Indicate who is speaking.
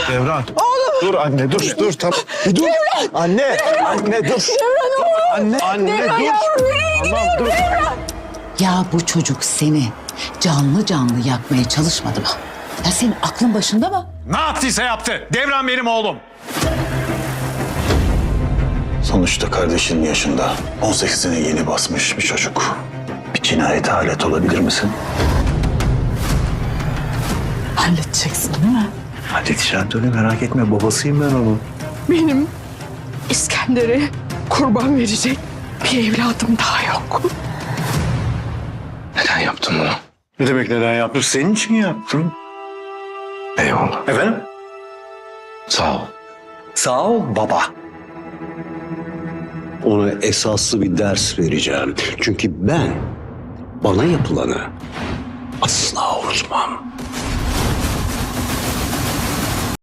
Speaker 1: Devran. Oğlum. Dur anne dur tamam. Bir dur.
Speaker 2: Devran.
Speaker 1: Anne dur.
Speaker 2: Devran oğlum.
Speaker 1: Anne
Speaker 2: Devran
Speaker 1: dur.
Speaker 2: yavrum, nereye
Speaker 1: Tamam dur.
Speaker 2: Devran.
Speaker 3: Ya bu çocuk seni canlı canlı yakmaya çalışmadı mı? Ya senin aklın başında mı?
Speaker 4: Ne yaptıysa yaptı. Devran benim oğlum.
Speaker 5: Sonuçta kardeşinin yaşında 18'ine yeni basmış bir çocuk. Bir cinayete alet olabilir misin?
Speaker 2: Halledeceksin değil mi?
Speaker 5: Halledeceğim tabii, merak etme, babasıyım ben onun.
Speaker 2: Benim İskender'e kurban verecek bir evladım daha yok.
Speaker 5: Neden yaptın bunu? Ne demek neden yaptım? Senin için yaptım. Eyvallah. Efendim? Sağ ol. Sağ ol baba.
Speaker 6: Ona esaslı bir ders vereceğim. Çünkü ben bana yapılanı asla unutmam.